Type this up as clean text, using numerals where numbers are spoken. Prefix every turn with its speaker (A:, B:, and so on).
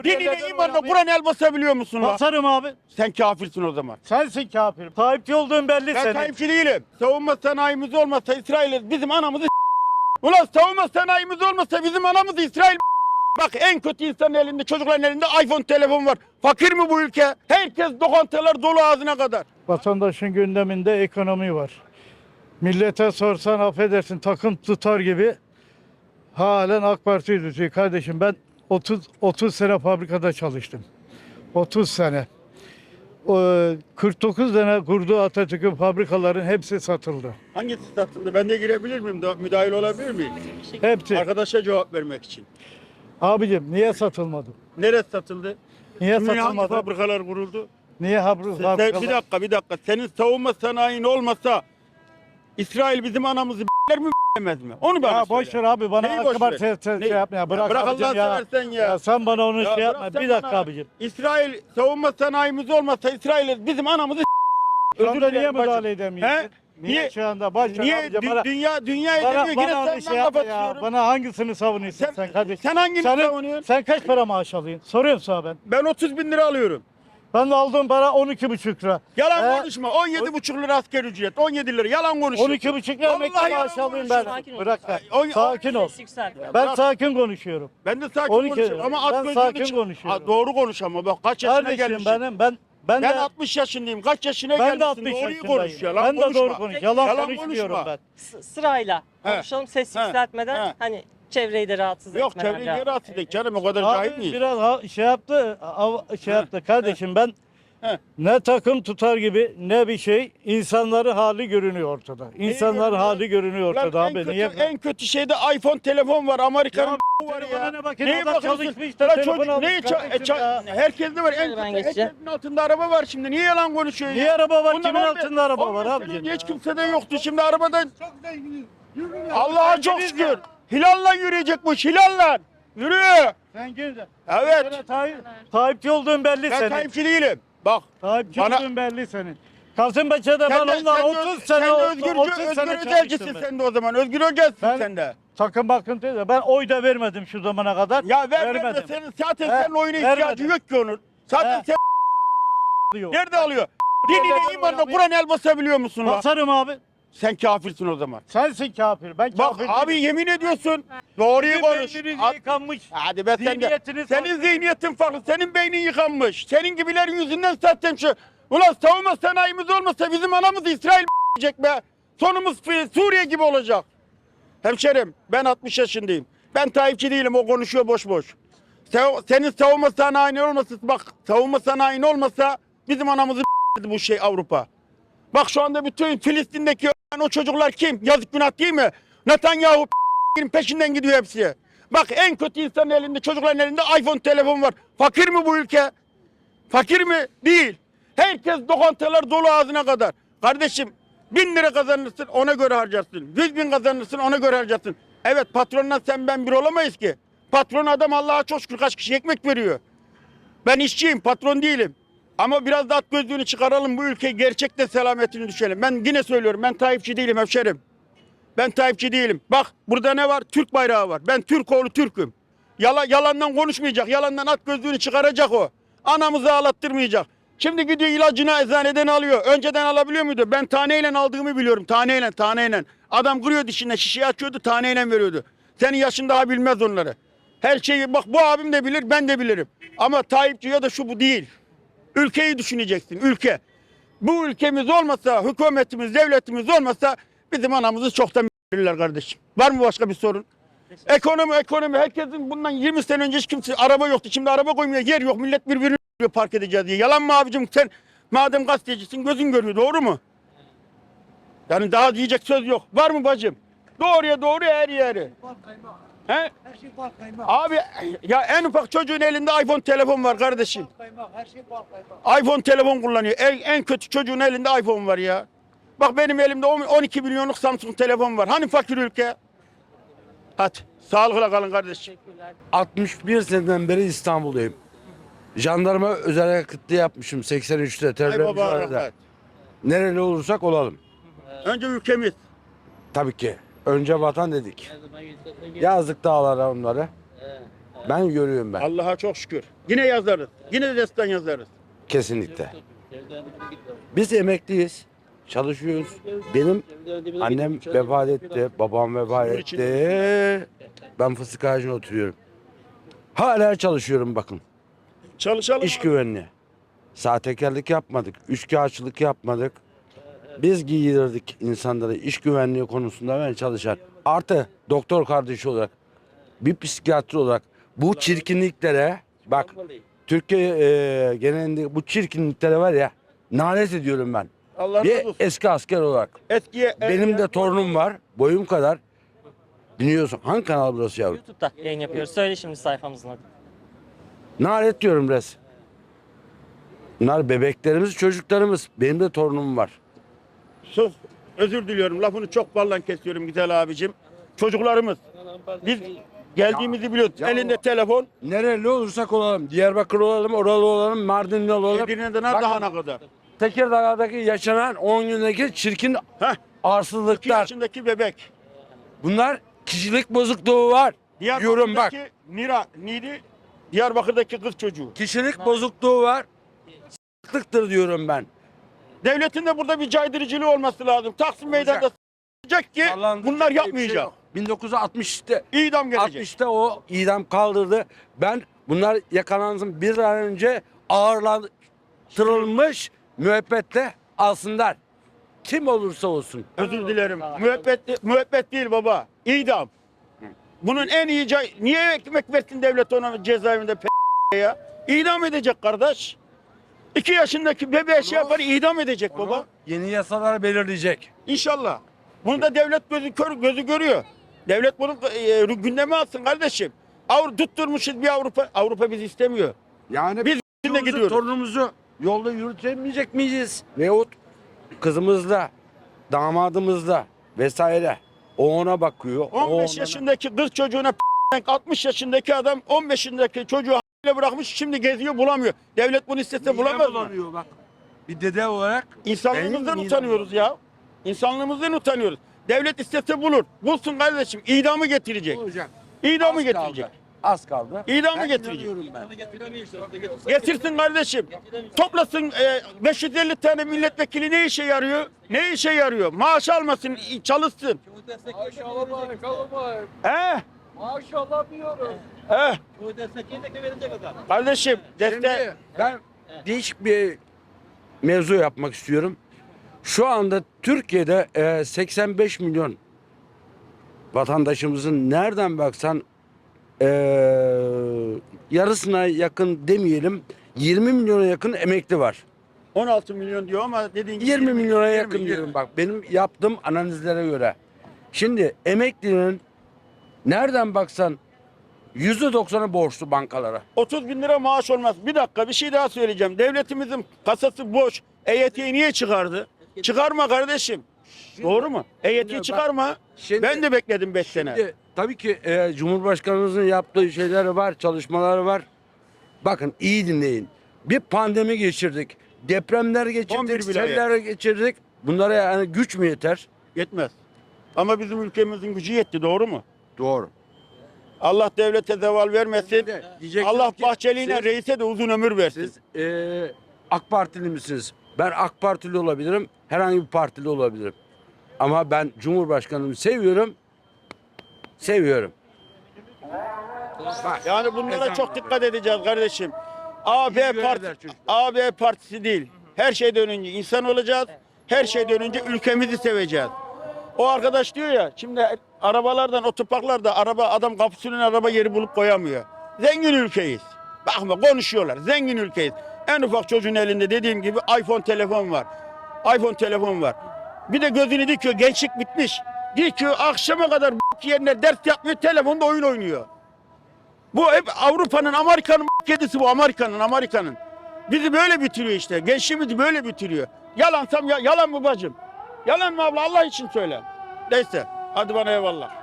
A: Dinine imanına Kur'an el basabiliyor musun lan?
B: Basarım abi.
A: Sen kafirsin o zaman.
B: Sensin kafir. Tayyipçi olduğun belli
A: Ben
B: senin.
A: Tayyipçi değilim. Savunma sanayimiz olmasa İsrail bizim anamızı Ulan savunma sanayimiz olmasa bizim anamızı İsrail Bak en kötü insanın elinde, çocukların elinde iPhone telefon var. Fakir mi bu ülke? Herkes lokantalar dolu ağzına kadar.
B: Vatandaşın gündeminde ekonomi var. Millete sorsan affedersin takım tutar gibi halen AK Parti'yi tutuyor. Kardeşim ben 30 sene fabrikada çalıştım. 30 sene. 49 sene kurduğu Atatürk'ün fabrikaların hepsi satıldı.
A: Hangisi satıldı? Ben de girebilir miyim? Müdahil olabilir miyim?
B: Hepsi.
A: Arkadaşa cevap vermek için.
B: Abicim niye satılmadı?
A: Neresi satıldı?
B: Niye
A: Hangi
B: satılmadı?
A: fabrikalar kuruldu?
B: Niye fabrikalar?
A: Bir dakika. Senin savunma sanayin olmasa İsrail bizim anamızı mi b***mez mi? Onu bana
B: Ya
A: söyle.
B: boş ver abi bana
A: Neyi boş
B: aklıma
A: ver?
B: şey yapma ya. Bırak
A: Bırak
B: abicim
A: Allah'ını
B: ya.
A: seversen ya.
B: Ya sen bana onu
A: Ya
B: şey
A: bırak
B: yapma.
A: sen
B: Bir dakika
A: bana.
B: abicim.
A: İsrail savunma sanayimiz olmasa İsrail bizim anamızı
B: Özür
A: Özür
B: niye
A: dilerim
B: müdahale
A: bacım.
B: edemiyorsun?
A: He?
B: Niye şu anda baş ver
A: Niye
B: abicim, bana,
A: dünya
B: bana,
A: edemiyor yine
B: bana onu
A: senden
B: şey yapma ya.
A: kapatıyorum.
B: Bana hangisini savunuyorsun sen kardeşim?
A: Sen hangini savunuyorsun?
B: Sen kaç para maaş alıyorsun? Soruyorum sana ben.
A: Ben 30 bin lira alıyorum.
B: Ben de aldığım para 12,5 lira.
A: Yalan konuşma. 17,5 lira asgari ücret. 17 lira. Yalan konuşma.
B: 12,5 lira emekli
A: Vallahi
B: maaş
A: yalan
B: alıyorum ben.
C: Sakin ol.
B: Bırak sen.
A: Ay,
B: Sakin ol.
C: Ses yükselt.
B: Ben
A: bırak.
B: sakin konuşuyorum.
A: Ben de sakin
B: 12
A: konuşuyorum ama
B: ben
A: at gözünü
B: sakin
A: çık-
B: konuşuyorum.
A: Ha, doğru konuş ama bak kaç yaşına
B: Kardeşim
A: gelmişsin.
B: ben
A: Ben
B: de
A: 60 yaşındayım. Kaç yaşına
B: ben de
A: gelmişsin?
B: 60
A: Doğruyu
B: yaşındayım.
A: konuş ya. Lan
B: Ben de
A: konuşma.
B: doğru konuş. Yalan,
A: Yalan
B: konuşmuyorum
A: konuşma.
B: ben.
C: Sırayla
A: He.
C: konuşalım ses
A: He.
C: yükseltmeden
A: He.
C: hani çevreyi de rahatsız
A: Yok
C: etmeden.
A: çevreyi rahatsız edecek canım o kadar cahil
B: Abi
A: miyiz?
B: biraz şey yaptı, şey yaptı kardeşim ben
A: He.
B: ne takım tutar gibi ne bir şey insanların hali görünüyor ortada. İnsanların
A: görünüyor?
B: hali görünüyor
A: Lan
B: ortada
A: en
B: abi.
A: kötü,
B: Niye?
A: en kötü şeyde iPhone telefon var. Amerika'nın var
B: telefona
A: ya.
B: ne bakın,
A: Neye
B: adam
A: bakıyorsun?
B: çalışmış da
A: Lan
B: telefon
A: çocuk
B: almış
A: neyi
B: kardeşim ya.
A: herkeste var. En
C: Şöyle ben
A: kötü
C: geçeceğim.
A: herkesin altında araba var şimdi. Niye yalan konuşuyor
B: Niye
A: ya?
B: araba var?
A: Bundan
B: Kimin
A: 15
B: altında araba var
A: 15
B: abicim?
A: sene önce hiç kimsede yoktu. Şimdi arabadan Allah'a çok şükür. Hilal'la yürüyecekmiş. Hilal'la. Yürü.
B: Sen gel.
A: Evet.
B: Tayyipçi olduğun belli
A: Ben
B: senin.
A: Tayyipçi değilim. Bak.
B: Tayyipçi
A: Bana-
B: olduğun belli senin. Kasımpaşa'da ben
A: Sen de,
B: onunla 30 sene
A: Özgür
B: 30 sene
A: Özelcisin
B: çalıştım ben.
A: sen de o zaman. Özgür Özelcisin
B: Ben-
A: sen de.
B: Takım bakın dedi. Ben oy da vermedim şu zamana kadar.
A: Ya ver
B: vermedim.
A: senin zaten
B: He,
A: senin oyuna
B: vermedim.
A: ihtiyacı yok ki onun. Zaten
B: He.
A: sen
B: Diyor.
A: nerede alıyor? Dinine imanına Kur'an el basabiliyor musun lan?
B: Basarım abi.
A: Sen kafirsin o zaman.
B: Sensin kafir. Ben
A: Bak
B: kafir
A: abi
B: değilim.
A: yemin ediyorsun. Doğruyu
B: Sizin
A: konuş.
B: beyniniz
A: At-
B: yıkanmış.
A: Hadi be sen de.
B: Zihniyetiniz
A: Senin
B: farklı.
A: zihniyetin farklı. Senin beynin yıkanmış. Senin gibilerin yüzünden zaten şu. Ulan savunma sanayimiz olmasa bizim anamız İsrail diyecek be. Sonumuz Suriye gibi olacak. Hemşerim ben 60 yaşındayım. Ben Tayyipçi değilim o konuşuyor boş boş. Senin savunma sanayin olmasa bak savunma sanayin olmasa bizim anamızı bu şey Avrupa. Bak şu anda bütün Filistin'deki o çocuklar kim? Yazık günah değil mi? Netanyahu peşinden gidiyor hepsi. Bak en kötü insanın elinde çocukların elinde iPhone telefon var. Fakir mi bu ülke? Fakir mi? Değil. Herkes lokantalar dolu ağzına kadar. Kardeşim 1000 lira kazanırsın ona göre harcarsın. 100 bin kazanırsın ona göre harcarsın. Evet patronla sen ben bir olamayız ki. Patron adam Allah'a çok şükür kaç kişi ekmek veriyor. Ben işçiyim patron değilim. Ama biraz da at gözlüğünü çıkaralım bu ülke gerçekten selametini düşelim. Ben yine söylüyorum ben Tayyipçi değilim hemşerim. Ben Tayyipçi değilim. Bak burada ne var? Türk bayrağı var. Ben Türk oğlu Türk'üm. Yalandan konuşmayacak. Yalandan at gözlüğünü çıkaracak o. Anamızı ağlattırmayacak. Şimdi gidiyor ilacını eczaneden alıyor. Önceden alabiliyor muydu? Ben taneyle aldığımı biliyorum. Taneyle. Adam kırıyor dişine şişeyi açıyordu taneyle veriyordu. Senin yaşın daha bilmez onları. Her şeyi bak bu abim de bilir ben de bilirim. Ama Tayyipçi ya da şu bu değil. Ülkeyi düşüneceksin ülke. Bu ülkemiz olmasa hükümetimiz devletimiz olmasa bizim anamızı çoktan bilirler kardeşim. Var mı başka bir sorun? Ekonomi herkesin bundan 20 sene önce hiç kimse araba yoktu. Şimdi araba koymuyor yer yok millet birbirini park edeceğiz diye. Yalan mı abicim sen madem gazetecisin gözün görüyor doğru mu? Yani daha diyecek söz yok. Var mı bacım? Doğruya doğru her yeri. He?
D: Her şey bal kaymak.
A: Abi ya en ufak çocuğun elinde iPhone telefon var kardeşim.
D: Kaymak, her şey bal kaymak.
A: iPhone telefon kullanıyor. En kötü çocuğun elinde iPhone var ya. Bak benim elimde 12 milyonluk Samsung telefon var. Hani fakir ülke? Hadi sağlıkla kalın kardeşim.
E: 61 seneden beri İstanbul'dayım. Jandarma özel hareketli yapmışım 83'te
A: Ay
E: terörle
A: baba
E: mücadelede.
A: rahmet.
E: Nereli olursak olalım.
A: Önce ülkemiz.
E: Tabii ki. Önce vatan dedik. Yazdık dağlara onları. Ben görüyorum ben.
A: Allah'a çok şükür. Yine yazarız. Yine de destan yazarız.
E: Kesinlikle. Biz emekliyiz. Çalışıyoruz. Benim annem vefat etti. Babam vefat etti. Ben fıstık ağacına oturuyorum. Hala çalışıyorum bakın.
A: Çalışalım.
E: İş güvenliği. Sahtekarlık yapmadık. Üçkağıtçılık yapmadık. Biz giydirirdik insanları iş güvenliği konusunda ben çalışan. Artı doktor kardeşi olarak, bir psikiyatri olarak bu çirkinliklere bak Türkiye genelinde bu çirkinliklere var ya nalet ediyorum ben.
A: Allah
E: Bir
A: razı olsun.
E: eski asker olarak.
A: Eskiye,
E: Benim de torunum var boyum kadar. Dinliyorsun. Hangi kanal burası yavrum?
C: YouTube'da yayın yapıyoruz. Söyle şimdi sayfamızın adı.
E: Nalet diyorum res. Bunlar bebeklerimiz, çocuklarımız. Benim de torunum var.
A: sus. Özür diliyorum. Lafını çok ballan kesiyorum güzel abicim. Çocuklarımız. Biz geldiğimizi biliyoruz. Elinde telefon.
E: Nereli olursak olalım. Diyarbakır olalım, oralı olalım, Mardinli olalım.
A: Edirne'den
E: Bakın,
A: daha ne kadar.
E: Tekirdağ'daki yaşanan 10 gündeki çirkin
A: Heh. 2
E: arsızlıklar.
A: yaşındaki bebek.
E: Bunlar kişilik bozukluğu var. Diyorum bak.
A: Neydi? Diyarbakır'daki kız çocuğu.
E: Kişilik bozukluğu var. S**lıktır diyorum ben.
A: Devletin de burada bir caydırıcılığı olması lazım. Taksim Meydanı'nda s**ecek ki
E: Sallandı.
A: bunlar
E: Bir şey
A: yapmayacak.
E: yok. 1960'te
A: İdam gelecek.
E: 60'ta o idam kaldırdı. Ben bunlar yakalansın bir an önce ağırlandırılmış müebbetle alsınlar. Kim olursa olsun.
A: Özür dilerim. Müebbet değil baba. İdam. Bunun en iyi niye ekmek versin devlet ona cezaevinde ya? İdam edecek kardeş. 2 yaşındaki bebeğe şey yapar idam edecek baba.
E: Yeni yasalar belirleyecek.
A: İnşallah. Bunu da devlet gözü görüyor. Devlet bunu gündeme alsın kardeşim. Tutturmuşuz bir Avrupa. Avrupa bizi istemiyor.
E: Yani
A: Biz içinde gidiyoruz.
E: torunumuzu yolda yürütemeyecek miyiz? Veyahut kızımızla, damadımızla vesaire. O ona bakıyor. o
A: 15
E: ona-
A: yaşındaki kız çocuğuna 60 yaşındaki adam 15 yaşındaki çocuğu bırakmış şimdi geziyor bulamıyor. Devlet bunu istese
E: Midem
A: bulamaz mı?
E: bulanıyor bak. Bir dede olarak
A: İnsanlığımızdan
E: benim midem
A: utanıyoruz ya. İnsanlığımızdan utanıyoruz. Devlet istese bulur. Bulsun kardeşim. İdamı getirecek.
E: olacak.
A: İdamı
E: Az
A: getirecek.
E: kaldı. Az kaldı.
A: İdamı
E: Ben
A: getirecek.
E: inanıyorum ben.
A: Getirsin kardeşim. Toplasın 550 tane milletvekili ne işe yarıyor? Ne işe yarıyor? Maaş almasın, çalışsın. He?
D: Maaş alamıyorum.
A: He?
D: Bu destekleyin de verecek adam.
A: Kardeşim
E: Şimdi
A: destek.
E: ben değişik bir mevzu yapmak istiyorum. Şu anda Türkiye'de 85 milyon vatandaşımızın nereden baksan yarısına yakın demeyelim 20 milyona yakın emekli var.
A: 16 milyon diyor ama dediğin gibi
E: 20 milyona yakın
A: 20.
E: diyorum bak benim yaptığım analizlere göre. Şimdi emeklinin nereden baksan %90'ı borçlu bankalara.
A: 30 bin lira maaş olmaz. Bir dakika bir şey daha söyleyeceğim. Devletimizin kasası boş. EYT'yi niye çıkardı? Çıkarma kardeşim. Doğru mu? EYT'yi
E: bak,
A: çıkarma.
E: şimdi-
A: Ben de bekledim 5 sene.
E: Şimdi, tabii ki Cumhurbaşkanımızın yaptığı şeyler var, çalışmaları var. Bakın iyi dinleyin. Bir pandemi geçirdik. Depremler
A: 11
E: geçirdik,
A: vilayet.
E: seller geçirdik. Bunlara yani güç mü yeter?
A: Yetmez. Ama bizim ülkemizin gücü yetti. Doğru mu?
E: Doğru.
A: Allah devlete zeval vermesin.
E: Diyecektim
A: Allah
E: ki
A: Bahçeli'yle
E: siz-
A: reise de uzun ömür versin.
E: Siz AK Partili misiniz? Ben AK Partili olabilirim. Herhangi bir partili olabilirim. Ama ben Cumhurbaşkanımı seviyorum. Seviyorum. Bak,
A: Yani bunlara
E: ezan
A: çok
E: var.
A: dikkat edeceğiz kardeşim. AB
E: İyi
A: parti,
E: görevler çocuklar.
A: AB partisi değil. Her şeyden önce insan olacağız. Her şeyden önce ülkemizi seveceğiz. O arkadaş diyor ya şimdi arabalardan otoparklarda adam kapısının araba yeri bulup koyamıyor. Zengin ülkeyiz. Bakma konuşuyorlar. Zengin ülkeyiz. En ufak çocuğun elinde dediğim gibi iPhone telefon var. iPhone telefon var. Bir de gözünü dikiyor. Gençlik bitmiş. Dikiyor akşama kadar yerine ders yapmıyor. Telefonda oyun oynuyor. Bu hep Avrupa'nın, Amerika'nın kedisi bu. Amerika'nın. Bizi böyle bitiriyor işte. Gençliğimizi böyle bitiriyor. Yalansam yalan mı bacım? Yalan mı abla? Allah için söyle. Neyse. Hadi bana eyvallah.